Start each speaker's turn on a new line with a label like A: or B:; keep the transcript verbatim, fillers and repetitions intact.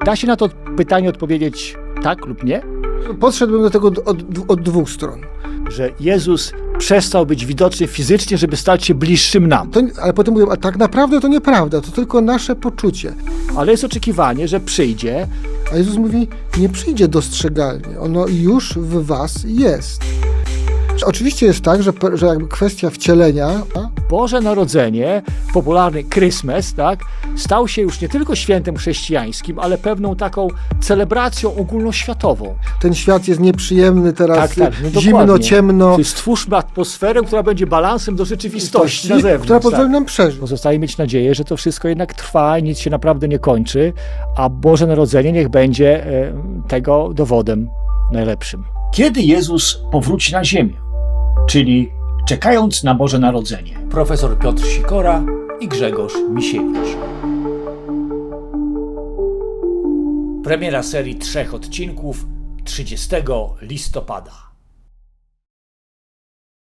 A: Da się na to pytanie odpowiedzieć tak lub nie?
B: Podszedłbym do tego od, od, od dwóch stron.
A: Że Jezus przestał być widoczny fizycznie, żeby stać się bliższym nam.
B: To, ale potem mówią, a tak naprawdę to nieprawda, to tylko nasze poczucie.
A: Ale jest oczekiwanie, że przyjdzie.
B: A Jezus mówi, nie przyjdzie dostrzegalnie, ono już w was jest. Oczywiście jest tak, że, że jakby kwestia wcielenia... A?
A: Boże Narodzenie, popularny Christmas, tak, stał się już nie tylko świętem chrześcijańskim, ale pewną taką celebracją ogólnoświatową.
B: Ten świat jest nieprzyjemny teraz,
A: Tak, tak, no
B: zimno,
A: dokładnie.
B: ciemno.
A: Czyli stwórzmy atmosferę, która będzie balansem do rzeczywistości na zewnątrz.
B: Która pozwoli
A: tak.
B: nam przeżyć.
A: Pozostaje mieć nadzieję, że to wszystko jednak trwa i nic się naprawdę nie kończy, a Boże Narodzenie niech będzie e, tego dowodem najlepszym.
C: Kiedy Jezus powróci na ziemię? Czyli czekając na Boże Narodzenie.
D: Profesor Piotr Sikora i Grzegorz Misiewicz. Premiera serii trzech odcinków trzydziestego listopada.